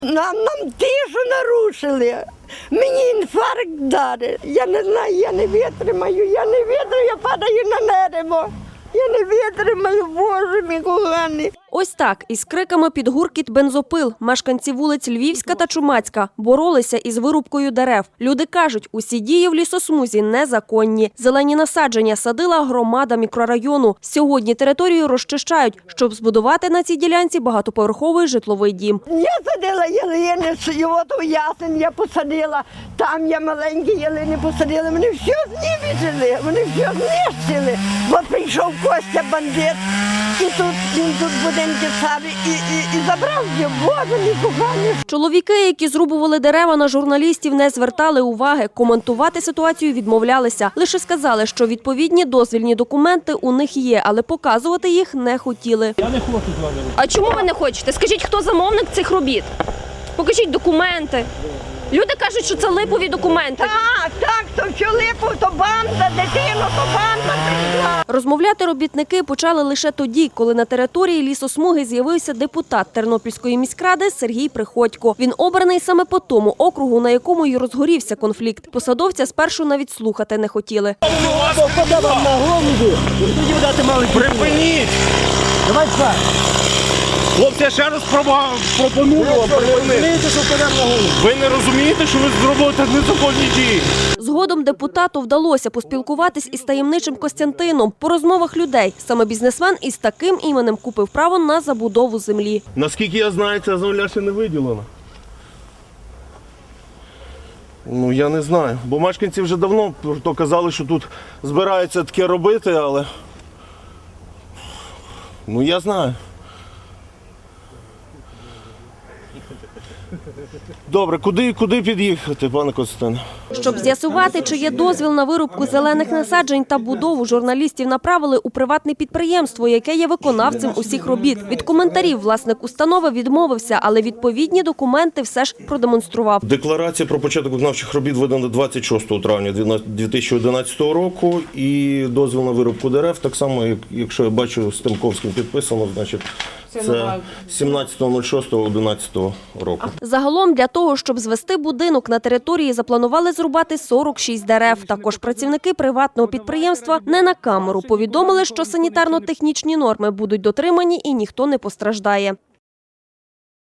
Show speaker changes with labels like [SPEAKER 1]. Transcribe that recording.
[SPEAKER 1] Нам тишу нарушили. Мені інфаркт дали. Я не знаю, я не витримаю, я падаю на небо. Я не витримаю, Боже мій коханий.
[SPEAKER 2] Ось так, із криками під гуркіт бензопил, мешканці вулиць Львівська та Чумацька боролися із вирубкою дерев. Люди кажуть, усі дії в лісосмузі незаконні. Зелені насадження садила громада мікрорайону. Сьогодні територію розчищають, щоб збудувати на цій ділянці багатоповерховий житловий дім.
[SPEAKER 1] Я садила ялини, от ясень я посадила, там я маленькі ялини посадила. Вони все знівечили, вони все знищили. От прийшов Костя бандит, і він тут будинки ставив і забрав його. Боже мій коханий.
[SPEAKER 2] Чоловіки, які зрубували дерева, на журналістів не звертали уваги. Коментувати ситуацію відмовлялися. Лише сказали, що відповідні дозвільні документи у них є, але показувати їх не хотіли.
[SPEAKER 3] Я не хочу з вами.
[SPEAKER 4] А чому ви не хочете? Скажіть, хто замовник цих робіт? Покажіть документи. Люди кажуть, що це липові документи.
[SPEAKER 1] Так, то що липу, то банда, дитину, то банда прийшла.
[SPEAKER 2] Розмовляти робітники почали лише тоді, коли на території лісосмуги з'явився депутат Тернопільської міськради Сергій Приходько. Він обраний саме по тому округу, на якому й розгорівся конфлікт. Посадовця спершу навіть слухати не хотіли.
[SPEAKER 3] Припиніть! Давай так! Хлопці, я ще раз пропоную вам припинити. Ви не розумієте, що ви зробите незаконні дії?
[SPEAKER 2] Згодом депутату вдалося поспілкуватись із таємничим Костянтином. По розмовах людей саме бізнесмен із таким іменем купив право на забудову землі.
[SPEAKER 3] Наскільки я знаю, ця земля ще не виділена. Ну, я не знаю. Бо мешканці вже давно казали, що тут збираються таке робити, але... Ну, я знаю. Добре, куди під'їхати, пане Костяне?
[SPEAKER 2] Щоб з'ясувати, чи є дозвіл на вирубку зелених насаджень та будову, журналістів направили у приватне підприємство, яке є виконавцем усіх робіт. Від коментарів власник установи відмовився, але відповідні документи все ж продемонстрував.
[SPEAKER 3] Декларація про початок виконавчих робіт видана 26 травня 2011 року і дозвіл на вирубку дерев, так само, якщо я бачу, з Тимковським підписано, значить, це 17.06.11 року.
[SPEAKER 2] Загалом для того, щоб звести будинок, на території запланували зрубати 46 дерев. Також працівники приватного підприємства не на камеру повідомили, що санітарно-технічні норми будуть дотримані і ніхто не постраждає.